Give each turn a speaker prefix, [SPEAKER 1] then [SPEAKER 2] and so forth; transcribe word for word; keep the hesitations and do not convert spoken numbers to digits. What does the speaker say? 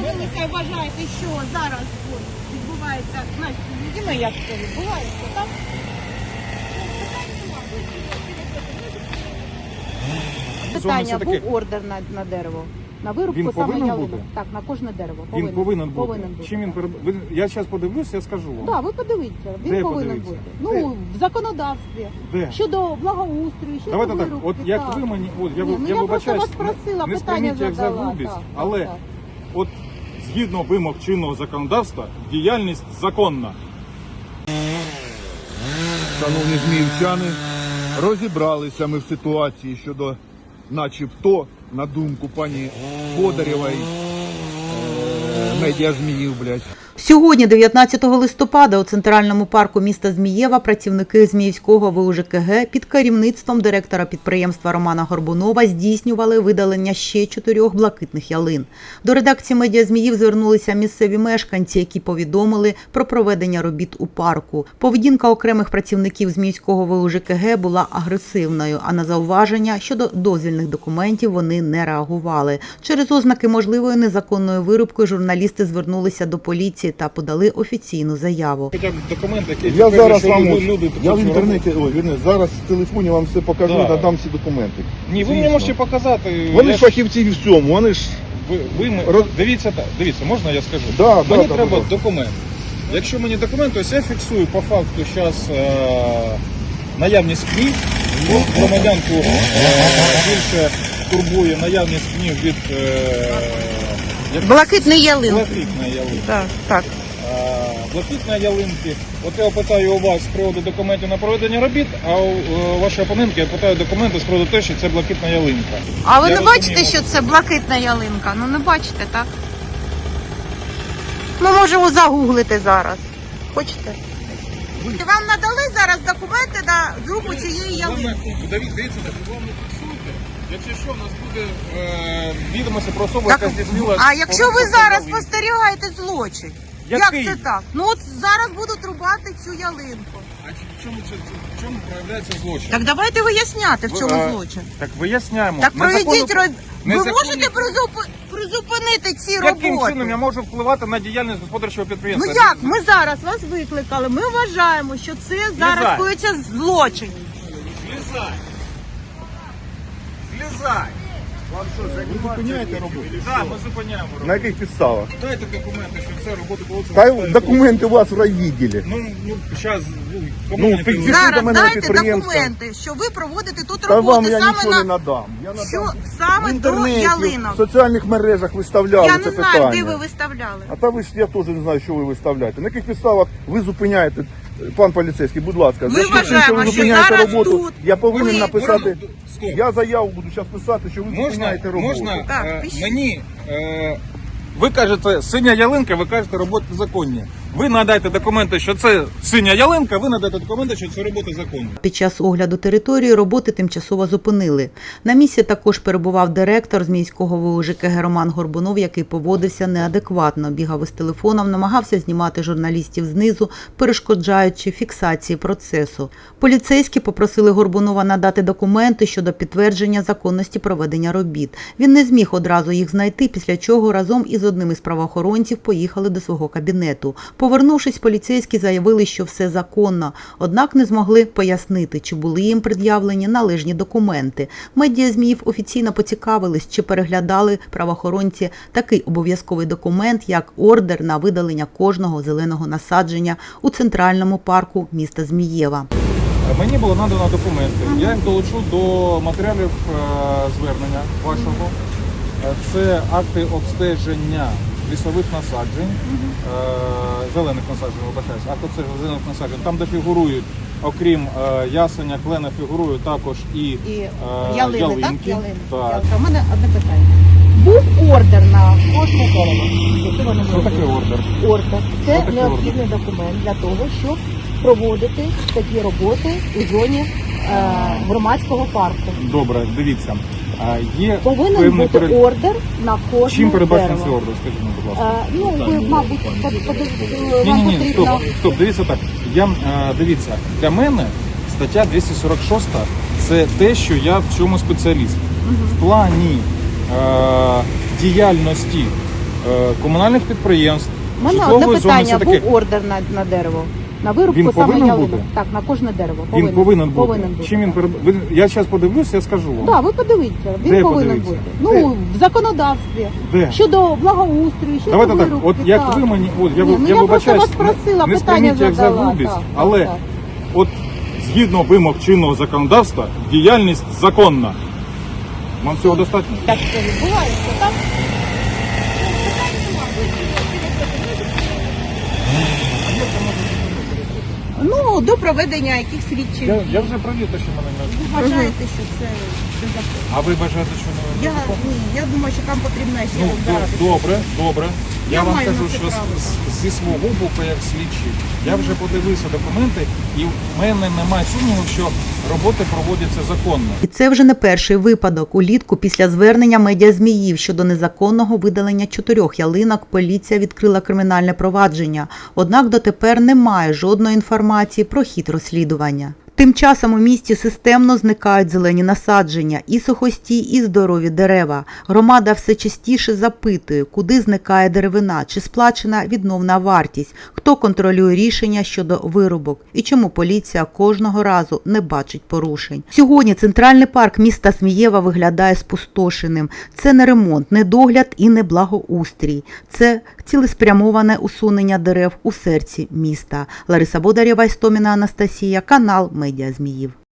[SPEAKER 1] ви це вважаєте, що зараз от, відбувається, знаєте, як це відбувається, так? Питання, був ордер на, на дерево, на вирубку
[SPEAKER 2] Він
[SPEAKER 1] саме
[SPEAKER 2] повинен
[SPEAKER 1] ялинок.
[SPEAKER 2] бути?
[SPEAKER 1] Так, на кожне дерево.
[SPEAKER 2] Він
[SPEAKER 1] Повинен,
[SPEAKER 2] повинен бути.
[SPEAKER 1] повинен бути.
[SPEAKER 2] Чим він переб... ви- Я зараз подивлюсь, я скажу вам.
[SPEAKER 1] Так, да, ви подивіться, він
[SPEAKER 2] Де
[SPEAKER 1] повинен
[SPEAKER 2] подивіться?
[SPEAKER 1] бути.
[SPEAKER 2] Де?
[SPEAKER 1] Ну, в законодавстві.
[SPEAKER 2] Де?
[SPEAKER 1] Щодо благоустрою, щодо
[SPEAKER 2] Давайте так,
[SPEAKER 1] вирубки.
[SPEAKER 2] от як
[SPEAKER 1] так.
[SPEAKER 2] ви мені, от я,
[SPEAKER 1] Ні, ну,
[SPEAKER 2] я
[SPEAKER 1] я
[SPEAKER 2] вибачаюсь,
[SPEAKER 1] просто вас просила,
[SPEAKER 2] не, не
[SPEAKER 1] питання
[SPEAKER 2] сприйміть як за
[SPEAKER 1] задала,
[SPEAKER 2] грубість,
[SPEAKER 1] так,
[SPEAKER 2] але
[SPEAKER 1] так, так.
[SPEAKER 2] от згідно вимог чинного законодавства, діяльність законна.
[SPEAKER 3] Шановні зміївчани, розібралися ми в ситуації щодо начебто, на думку пані Бодарєвої, е, медіа Зміїв, блядь.
[SPEAKER 4] Сьогодні, дев'ятнадцятого листопада, у центральному парку міста Змієва працівники Зміївського ВУ ЖКГ під керівництвом директора підприємства Романа Горбунова здійснювали видалення ще чотирьох блакитних ялин. До редакції медіа Зміїв звернулися місцеві мешканці, які повідомили про проведення робіт у парку. Поведінка окремих працівників Зміївського ВУ ЖКГ була агресивною, а на зауваження щодо дозвільних документів вони не реагували. Через ознаки можливої незаконної вирубки журналісти звернулися до поліції та подали офіційну заяву.
[SPEAKER 2] Хоча б документи, які
[SPEAKER 3] Я зараз
[SPEAKER 2] що
[SPEAKER 3] вам,
[SPEAKER 2] люди,
[SPEAKER 3] ось-
[SPEAKER 2] люди
[SPEAKER 3] я в
[SPEAKER 2] таку
[SPEAKER 3] інтернеті, ой, вірне, зараз в телефоні вам все покажу,
[SPEAKER 2] Да.
[SPEAKER 3] надам всі документи.
[SPEAKER 2] Ні, ви мені
[SPEAKER 3] Звісно.
[SPEAKER 2] можете показати.
[SPEAKER 3] Вони
[SPEAKER 2] я
[SPEAKER 3] ж фахівці в всьому, вони ж...
[SPEAKER 2] Ви, ви ми-
[SPEAKER 3] Роз-
[SPEAKER 2] Дивіться так, дивіться, можна я скажу?
[SPEAKER 3] Да,
[SPEAKER 2] мені
[SPEAKER 3] да,
[SPEAKER 2] треба
[SPEAKER 3] да, да.
[SPEAKER 2] документ. Якщо мені документ, то я фіксую по факту зараз е, наявність книг. Ну, громадянку е, більше турбує наявність книг від е, як-
[SPEAKER 1] Блакитний ялин.
[SPEAKER 2] блакитної ялинки.
[SPEAKER 1] Так, так.
[SPEAKER 2] Е, блакитної ялинки. От я питаю у вас з приводу документів на проведення робіт, а у е, вашої опонентки я питаю документи з приводу того, що це блакитна ялинка.
[SPEAKER 1] А ви
[SPEAKER 2] Я
[SPEAKER 1] не
[SPEAKER 2] розумію,
[SPEAKER 1] бачите, що це блакитна ялинка? Ну не бачите, так? Ми можемо загуглити зараз. Хочете? Вам надали зараз документи на зрубу цієї ялинки?
[SPEAKER 2] Дивіться, дивіться, вам не фіксуйте. Якщо що, у нас буде е, відомості про особу,
[SPEAKER 1] Так,
[SPEAKER 2] яка здійснила...
[SPEAKER 1] а якщо ви
[SPEAKER 2] порушення
[SPEAKER 1] зараз
[SPEAKER 2] ялинки.
[SPEAKER 1] спостерігаєте злочин?
[SPEAKER 2] Який?
[SPEAKER 1] Як це так? Ну от зараз будуть рубати цю ялинку.
[SPEAKER 2] А в чому, в чому проявляється злочин?
[SPEAKER 1] Так давайте виясняти, в
[SPEAKER 2] Ви,
[SPEAKER 1] чому
[SPEAKER 2] а,
[SPEAKER 1] злочин.
[SPEAKER 2] Так виясняємо.
[SPEAKER 1] Так проведіть
[SPEAKER 2] Незаконно-
[SPEAKER 1] роб... Ви
[SPEAKER 2] незаконні-
[SPEAKER 1] можете призуп- призупинити ці
[SPEAKER 2] Яким
[SPEAKER 1] роботи?
[SPEAKER 2] чином я можу впливати на діяльність господарчого
[SPEAKER 1] Ну
[SPEAKER 2] підприємства?
[SPEAKER 1] як? Ми зараз вас викликали. Ми вважаємо, що це зараз
[SPEAKER 2] Злізай.
[SPEAKER 1] коїться злочин.
[SPEAKER 2] Злізай! Злізай!
[SPEAKER 3] Ви зупиняєте роботу?
[SPEAKER 2] Так, ми зупиняємо роботу.
[SPEAKER 3] На яких підставах?
[SPEAKER 2] Дайте документи, що це робота проводиться.
[SPEAKER 3] Та
[SPEAKER 2] в
[SPEAKER 3] документи у вас в райвідділі.
[SPEAKER 2] Ну, ну, зараз, ну, кому
[SPEAKER 3] Ну,
[SPEAKER 2] мені
[SPEAKER 3] під-
[SPEAKER 2] треба?
[SPEAKER 1] Зараз
[SPEAKER 3] до мене на
[SPEAKER 1] дайте
[SPEAKER 3] підприємство.
[SPEAKER 1] документи, що ви проводите тут
[SPEAKER 3] Та
[SPEAKER 1] роботи
[SPEAKER 3] вам я
[SPEAKER 1] саме
[SPEAKER 3] нічого
[SPEAKER 1] на
[SPEAKER 3] не надам. Я надам
[SPEAKER 1] що
[SPEAKER 3] в
[SPEAKER 1] саме до
[SPEAKER 3] інтернеті, в
[SPEAKER 1] ялинок.
[SPEAKER 3] соціальних мережах виставляли
[SPEAKER 1] Я
[SPEAKER 3] це
[SPEAKER 1] не
[SPEAKER 3] питання.
[SPEAKER 1] знаю, де ви виставляли.
[SPEAKER 3] А та ви ж, я теж не знаю, що ви виставляєте. На яких підставах ви зупиняєте, пан поліцейський, будь ласка.
[SPEAKER 1] Ми
[SPEAKER 3] за що тим,
[SPEAKER 1] вважаємо,
[SPEAKER 3] що ви
[SPEAKER 1] що
[SPEAKER 3] зупиняєте
[SPEAKER 1] зараз
[SPEAKER 3] роботу,
[SPEAKER 1] тут
[SPEAKER 3] я повинен
[SPEAKER 1] ви-
[SPEAKER 3] написати,
[SPEAKER 2] Стоп.
[SPEAKER 3] я заяву буду зараз писати, що ви
[SPEAKER 2] Можна,
[SPEAKER 3] зупиняєте роботу.
[SPEAKER 2] можна
[SPEAKER 1] Так,
[SPEAKER 2] е,
[SPEAKER 1] пишіть.
[SPEAKER 2] мені, е, ви кажете, синя ялинка, ви кажете, роботи законні. Ви надайте документи, що це синя ялинка, ви надайте документи, що це роботи законні.
[SPEAKER 4] Під час огляду території роботи тимчасово зупинили. На місці також перебував директор Зміївського ВУ ЖКГ Роман Горбунов, який поводився неадекватно, бігав із телефоном, намагався знімати журналістів знизу, перешкоджаючи фіксації процесу. Поліцейські попросили Горбунова надати документи щодо підтвердження законності проведення робіт. Він не зміг одразу їх знайти, після чого разом із одним із правоохоронців поїхали до свого кабінету. Повернувшись, поліцейські заявили, що все законно, однак не змогли пояснити, чи були їм пред'явлені належні документи. Медіа Зміїв офіційно поцікавились, чи переглядали правоохоронці такий обов'язковий документ, як ордер на видалення кожного зеленого насадження у центральному парку міста Змієва.
[SPEAKER 2] Мені було надано документи. Я їх долучу до матеріалів е, звернення вашого. Е, Це акти обстеження лісових насаджень, е, зелених насаджень, вибачаюсь, акт обстеження зелених насаджень, там, де фігурують, окрім е, ясеня, клена, фігурують також і,
[SPEAKER 1] І
[SPEAKER 2] е,
[SPEAKER 1] ялини,
[SPEAKER 2] ялинки.
[SPEAKER 1] так? Ялини.
[SPEAKER 2] Так.
[SPEAKER 1] У мене одне питання. Був ордер на кожне дерево.
[SPEAKER 2] Що таке ордер?
[SPEAKER 1] Ордер. Це
[SPEAKER 2] Що таке
[SPEAKER 1] необхідний документ для того, щоб проводити такі роботи у зоні е, громадського парку.
[SPEAKER 2] Добре, дивіться. Е, Є
[SPEAKER 1] Повинен
[SPEAKER 2] певний
[SPEAKER 1] бути
[SPEAKER 2] перед-
[SPEAKER 1] ордер на кожне
[SPEAKER 2] Чим передбачений
[SPEAKER 1] дерево.
[SPEAKER 2] цей ордер, скажіть мені, будь ласка.
[SPEAKER 1] Е, ну, ви, мабуть, под- под-
[SPEAKER 2] Ні,
[SPEAKER 1] вам
[SPEAKER 2] ні, ні,
[SPEAKER 1] потрібно...
[SPEAKER 2] стоп, стоп, дивіться так. Я, е, дивіться, для мене стаття двісті сорок шість – це те, що я в цьому спеціаліст. В плані е, діяльності е, комунальних підприємств,
[SPEAKER 1] У мене
[SPEAKER 2] житлової
[SPEAKER 1] одне
[SPEAKER 2] зони,
[SPEAKER 1] питання.
[SPEAKER 2] все таке.
[SPEAKER 1] Був ордер на, на дерево. На вирубку
[SPEAKER 2] Він
[SPEAKER 1] саме
[SPEAKER 2] повинен
[SPEAKER 1] ялинок.
[SPEAKER 2] бути?
[SPEAKER 1] Так, на кожне дерево.
[SPEAKER 2] Він повинен бути.
[SPEAKER 1] Повинен бути.
[SPEAKER 2] Чим він переб... ви- Я зараз подивлюсь, я скажу вам.
[SPEAKER 1] Так, ви подивіться, він
[SPEAKER 2] Де
[SPEAKER 1] повинен
[SPEAKER 2] подивіться?
[SPEAKER 1] бути. Ну, в законодавстві.
[SPEAKER 2] Де?
[SPEAKER 1] Щодо благоустрою, щодо
[SPEAKER 2] Давайте так,
[SPEAKER 1] вирубки.
[SPEAKER 2] от як
[SPEAKER 1] так.
[SPEAKER 2] ви мені, от я,
[SPEAKER 1] Ні,
[SPEAKER 2] ви-
[SPEAKER 1] ну
[SPEAKER 2] я
[SPEAKER 1] я
[SPEAKER 2] вибачаюсь,
[SPEAKER 1] просто вас просила,
[SPEAKER 2] не, не
[SPEAKER 1] питання
[SPEAKER 2] сприйміть як за
[SPEAKER 1] задала,
[SPEAKER 2] грубість,
[SPEAKER 1] так,
[SPEAKER 2] але
[SPEAKER 1] так, так.
[SPEAKER 2] от згідно вимог чинного законодавства, діяльність законна. Вам цього достатньо?
[SPEAKER 1] Так це відбувається, так? Ну, до проведення яких слідчих.
[SPEAKER 2] Я, я вже провів те, що мене не...
[SPEAKER 1] Ви вважаєте, що це це закон?
[SPEAKER 2] А ви бажаєте, що не
[SPEAKER 1] Я, ні, я думаю, що там потрібно ще
[SPEAKER 2] Ну,
[SPEAKER 1] розбиратися.
[SPEAKER 2] до- добре, добре. Я,
[SPEAKER 1] Я
[SPEAKER 2] вам
[SPEAKER 1] маю
[SPEAKER 2] кажу,
[SPEAKER 1] на це
[SPEAKER 2] що з-
[SPEAKER 1] право,
[SPEAKER 2] з- зі свого боку, як слідчий, я вже подивився документи, і в мене немає сумніву, що роботи проводяться законно.
[SPEAKER 4] І це вже не перший випадок. Улітку після звернення медіазміїв щодо незаконного видалення чотирьох ялинок поліція відкрила кримінальне провадження. Однак дотепер немає жодної інформації про хід розслідування. Тим часом у місті системно зникають зелені насадження, і сухості, і здорові дерева. Громада все частіше запитує, куди зникає деревина, чи сплачена відновна вартість, хто контролює рішення щодо вирубок і чому поліція кожного разу не бачить порушень. Сьогодні центральний парк міста Змієва виглядає спустошеним. Це не ремонт, не догляд і не благоустрій. Це цілеспрямоване усунення дерев у серці міста. Лариса Бодарєва, Істоміна Анастасія, канал Медіа Зміїв.